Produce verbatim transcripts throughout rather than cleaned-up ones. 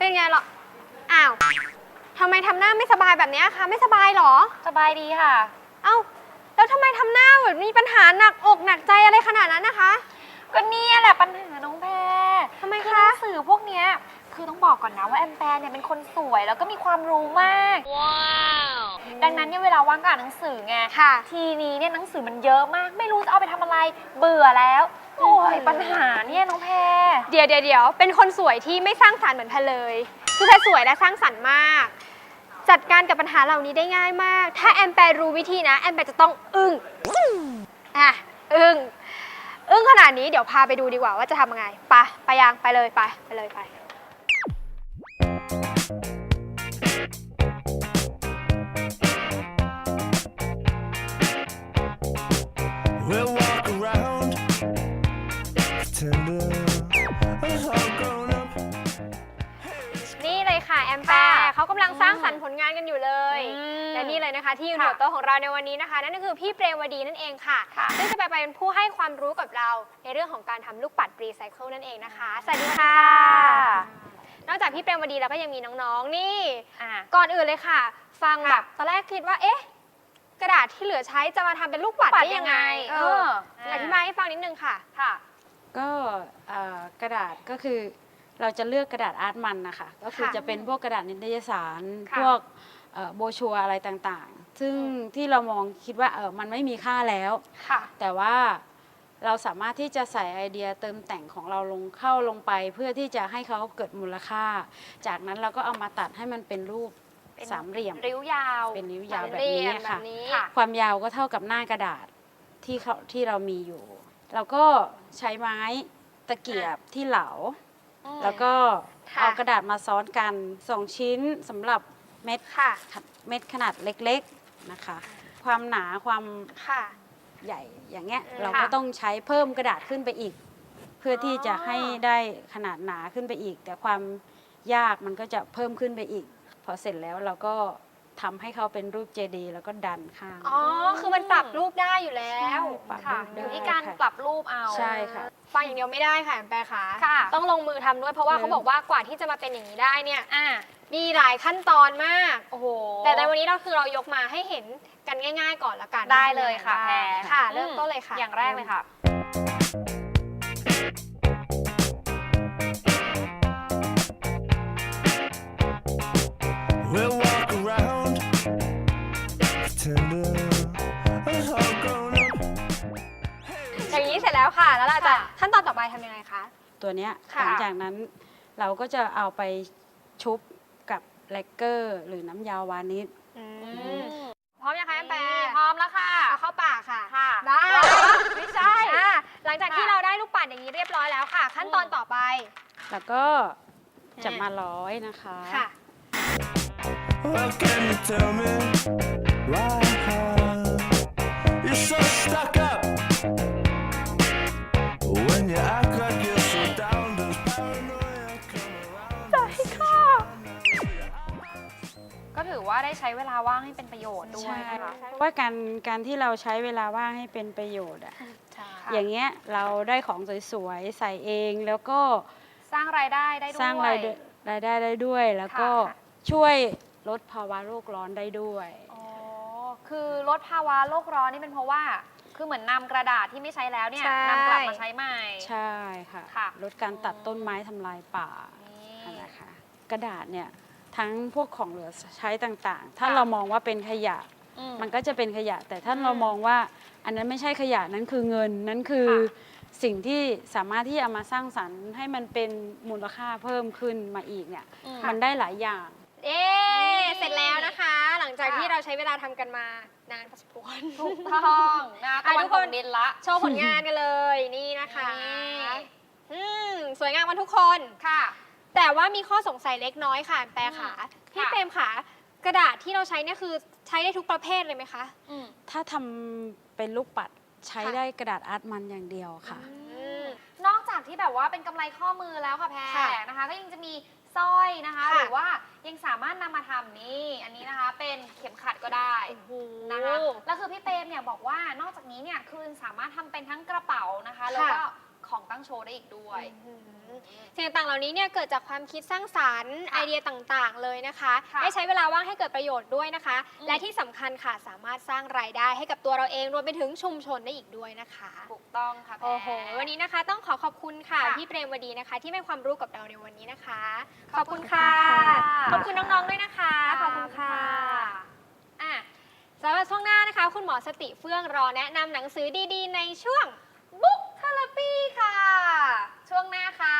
เป็นไงหรออ้าวทำไมทำหน้าไม่สบายแบบนี้คะไม่สบายหรอสบายดีค่ะเอ้าแล้วทำไมทำหน้าแบบมีปัญหาหนักอกหนักใจอะไรขนาดนั้นนะคะก็นี่แหละปัญหาน้องแพรทำไมคะหนังสือพวกเนี้ยคือต้องบอกก่อนนะว่าแอมแปร์เนี่ยเป็นคนสวยแล้วก็มีความรู้มากว้าวดังนั้นเนี่ยเวลาว่างก็อ่านหนังสือไงทีนี้เนี่ยหนังสือมันเยอะมากไม่รู้จะเอาไปทำอะไรเบื่อแล้วโอ้ยปัญหาเนี่ยน้องแพรเดี๋ยวเดี๋ยวเดี๋ยวเป็นคนสวยที่ไม่สร้างสรรค์เหมือนแพรเลยคือแพรสวยและสร้างสรรค์มากจัดการกับปัญหาเหล่านี้ได้ง่ายมากถ้าแอมแปร์รู้วิธีนะแอมแปร์จะต้องอึ้งอ่ะอึ้งอึ้งขนาดนี้เดี๋ยวพาไปดูดีกว่าว่าจะทำยังไงไปไปยังไปเลยไปไปเลยไปนี่เลยค่ะแอมแปร์เขากำลังสร้างสรรค์ผลงานกันอยู่เลยและนี่เลยนะคะที่อยู่หัวโต๊ะของเราในวันนี้นะคะนั่นก็คือพี่เปรมวดีนั่นเองค่ะซึ่งจะไปเป็นผู้ให้ความรู้กับเราในเรื่องของการทำลูกปัดรีไซเคิลนั่นเองนะคะสวัสดีค่ะนอกจากพี่เปรมวดีแล้วก็ยังมีน้องๆนี่ก่อนอื่นเลยค่ะฟังแบบตอนแรกคิดว่าเอ๊ะกระดาษที่เหลือใช้จะมาทำเป็นลูกปัดได้ยังไงเอออธิบายให้ฟังนิดนึงค่ะค่ะก็กระดาษก็คือเราจะเลือกกระดาษอาร์ตมันนะคะก็คือจะเป็นพวกกระดาษนิตยสารพวกโบชัวอะไรต่างๆซึ่งที่เรามองคิดว่าเออมันไม่มีค่าแล้วแต่ว่าเราสามารถที่จะใส่ไอเดียเติมแต่งของเราลงเข้าลงไปเพื่อที่จะให้เขาเกิดมูลค่าจากนั้นเราก็เอามาตัดให้มันเป็นรูปสามเหลี่ยมริ้วยาวเป็นริ้วยาวแบบนี้ค่ะความยาวก็เท่ากับหน้ากระดาษที่เขาที่เรามีอยู่เราก็ใช้ไม้ตะเกียบที่เหลาแล้วก็เอากระดาษมาซ้อนกันสองชิ้นสำหรับเม็ดเม็ดขนาดเล็กๆนะคะความหนาความใหญ่อย่างเงี้ยเราก็ต้องใช้เพิ่มกระดาษขึ้นไปอีกเพื่อที่จะให้ได้ขนาดหนาขึ้นไปอีกแต่ความยากมันก็จะเพิ่มขึ้นไปอีกพอเสร็จแล้วเราก็ทำให้เขาเป็นรูปเจดีย์แล้วก็ดันข้างอ๋อคือมันปรับรูปได้อยู่แล้วค่ะอยู่ที่การปรับรูปเอาใช่ค่ะฟังอย่างเดียวไม่ได้ค่ะแปรขาต้องลงมือทำด้วยเพราะว่าเขาบอกว่ากว่าที่จะมาเป็นอย่างนี้ได้เนี่ยมีหลายขั้นตอนมากโอ้โหแต่ในวันนี้เราคือเรายกมาให้เห็นกันง่ายๆก่อนละกันได้เลยค่ะแพรค่ะเริ่มต้นเลยค่ะอย่างแรกเลยค่ะอย่างนี้เสร็จแล้วค่ะแล้วเราจะขั้นตอนต่อไปทำยังไงคะตัวเนี้ยหลังจากนั้นเราก็จะเอาไปชุบกับแลกเกอร์หรือน้ำยาวานิชพร้อมยังคะแอมแปร์พร้อมแล้วค่ะเอาเข้าปากค่ะได้ไม่ใช่หลังจากที่เราได้ลูกปัดอย่างนี้เรียบร้อยแล้วค่ะขั้นตอนต่อไปแล้วก็จะมาร้อยนะคะค่ะก็ถือว่าได้ใช้เวลาว่างให้เป็นประโยชน์ด้วยนะคะเพราะว่าการการที่เราใช้เวลาว่างให้เป็นประโยชน์อะอย่างเงี้ยเราได้ของสวยๆใส่เองแล้วก็สร้างรายได้ได้ด้วยสร้างรายรายได้ได้ด้วยแล้วก็ช่วยลดภาวะโลกร้อนได้ด้วยอ๋อคือลดภาวะโลกร้อนนี่เป็นเพราะว่าคือเหมือนนำกระดาษที่ไม่ใช้แล้วเนี่ยนำกลับมาใช้ใหม่ใช่ค่ะลดการตัดต้นไม้ทำลายป่านะคะกระดาษเนี่ยทั้งพวกของเหลือใช้ต่างๆถ้าเรามองว่าเป็นขยะมันก็จะเป็นขยะแต่ถ้าเรามองว่าอันนั้นไม่ใช่ขยะนั้นคือเงินนั้นคือสิ่งที่สามารถที่จะมาสร้างสรรค์ให้มันเป็นมูลค่าเพิ่มขึ้นมาอีกเนี่ยมันได้หลายอย่างเอ๊เสร็จแล้วนะคะหลังจากที่เราใช้เวลาทำกันมานานพอสมควรถูกต้องนะทุกคนดินละโชว์ผลงานกันเลยนี่นะคะสวยงามกันทุกคนค่ะแต่ว่ามีข้อสงสัยเล็กน้อยค่ะแปรขาพี่เปรมขากระดาษที่เราใช้เนี่ยคือใช้ได้ทุกประเภทเลยไหมคะถ้าทำเป็นลูกปัดใช้ได้กระดาษอาร์ตมันอย่างเดียวค่ะนอกจากที่แบบว่าเป็นกำไรข้อมือแล้วค่ะแพรนะคะก็ยังจะมีสร้อยนะคะหรือว่ายังสามารถนำมาทำนี่อันนี้นะคะเป็นเข็มขัดก็ได้นะคะแล้วคือพี่เปรมเนี่ยบอกว่านอกจากนี้เนี่ยคือสามารถทำเป็นทั้งกระเป๋านะคะแล้วก็คของตั้งโชว์ได้อีกด้วยสิ่งต่างๆเหล่านี้เนี่ยเกิดจากความคิดสร้างสรรค์ไอเดียต่างๆเลยนะคะค่ะได้ใช้เวลาว่างให้เกิดประโยชน์ด้วยนะคะอืมและที่สำคัญค่ะสามารถสร้างรายได้ให้กับตัวเราเองรวมไปถึงชุมชนได้อีกด้วยนะคะถูกต้องค่ะแพรโอ้โหวันนี้นะคะต้องขอขอบคุณค่ะค่ะพี่เปรมวดีนะคะ ที่ให้ความรู้กับเราในวันนี้นะคะขอบคุณค่ะขอบคุณน้องๆด้วยนะคะขอบคุณค่ะอ่ะสำหรับช่วงหน้านะคะ คุณหมอสติเฟื่องรอแนะนำหนังสือดีๆ ในช่วงบุ๊กเทอราปีค่ะ ช่วงหน้าค่ะ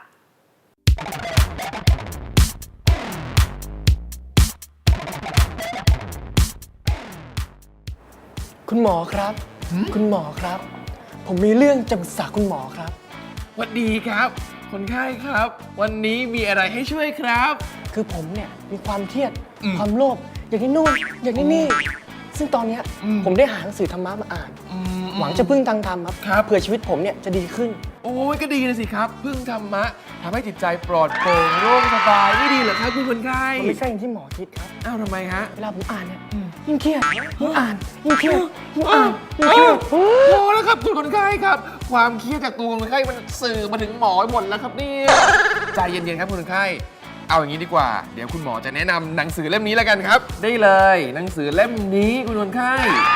คุณหมอครับ คุณหมอครับ ผมมีเรื่องจะปรึกษาคุณหมอครับสวัสดีครับ คนไข้ครับ วันนี้มีอะไรให้ช่วยครับคือผมเนี่ยมีความเครียดอืมความโลภอยากได้นู่นอยากได้นี่ ซึ่งตอนเนี้ยอืมผมได้หาหนังสือธรรมะมาอ่านอืมหวังจะพึ่งทางธรรมครับครับเผื่อชีวิตผมเนี่ยจะดีขึ้นโอ้ยก็ดีนะสิครับ พึ่งธรรมะทำให้จิตใจปลอดโปร่งโล่งสบายไม่ดีเหรอครับคุณคนไข้มันไม่ใช่อย่างที่หมอคิดครับอ้าวทำไมฮะเวลาผมอ่านเนี่ยยิ่งเครียดยิ่งอ่านยิ่งเครียดยิ่งอ่านยิ่งเครียดโอ้แล้วครับคุณคนไข้ครับ ความเครียดจากตัวคนไข้มันสื่อมาถึงหมอหมดแล้วครับเนี่ยใจเย็นๆครับคุณคนไข้เอาอย่างนี้ดีกว่า เดี๋ยวคุณหมอจะแนะนำหนังสือเล่มนี้แล้วกันครับ ได้เลย หนังสือเล่มนี้คุณคนไข้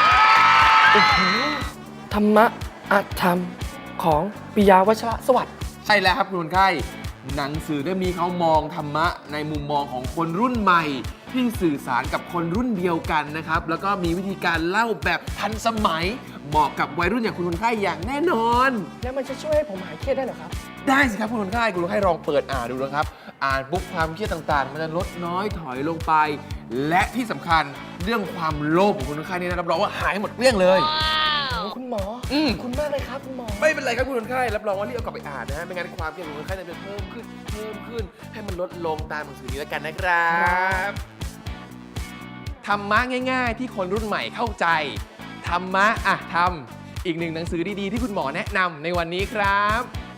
ธรรมะอาธรรมของปิยาวัชระสวัสดิ์ใช่แล้วครับคุณคนไข้หนังสือเล่มนี้เขามองธรรมะในมุมมองของคนรุ่นใหม่ ที่สื่อสารกับคนรุ่นเดียวกันนะครับ แล้วก็มีวิธีการเล่าแบบทันสมัย เหมาะกับวัยรุ่นอย่างคุณคนไข้อย่างแน่นอนแล้วมันจะช่วยให้ผมหายเครียดได้เหรอครับได้สิครับคุณคนไข้คุณคนไข้ลองเปิดอ่านดูนะครับ อ่านปุ๊บความเครียดต่างๆ มันจะลดน้อยถอยลงไป และที่สำคัญเรื่องความโลภของคุณคนไข้นี่นะรับรองว่าหายหมดเกลี้ยงเลยโอ้คุณหมออืมขอบคุณมากเลยครับคุณหมอไม่เป็นไรครับคุณคนไข้รับรองว่ารีบเอากลับไปอ่านนะฮะไม่งั้นความเครียดของคนไข้จะเพิ่มขึ้นเพิ่มขึ้น ให้มันลดลงตามหนังสือนี้แล้วกันนะครับธรรมะง่ายๆ ที่คนรุ่นใหม่เข้าใจธรรมะอ่ะทำอีกหนึ่งหนังสือดีๆที่คุณหมอแนะนำในวันนี้ครับ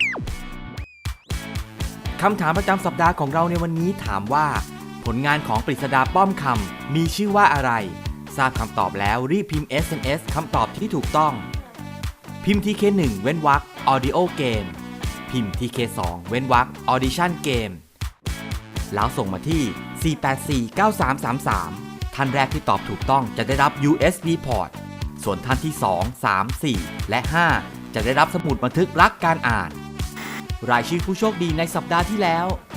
คำถามประจำสัปดาห์ของเราในวันนี้ถามว่า ผลงานของปริศดาป้อมคำมีชื่อว่าอะไร ทราบคำตอบแล้วรีบพิมพ์ เอส เอ็ม เอส คำตอบที่ถูกต้อง พิมพ์ ที เค หนึ่ง เว้นวรรค Audio Game พิมพ์ ที เค สอง เว้นวรรค Audition Game แล้วส่งมาที่ สี่ แปด สี่ เก้า สาม สาม สาม ท่านแรกที่ตอบถูกต้องจะได้รับ ยู เอส บี Port ส่วนท่านที่ สอง สาม สี่ และ ห้า จะได้รับสมุดบันทึกรักการอ่าน รายชื่อผู้โชคดีในสัปดาห์ที่แล้ว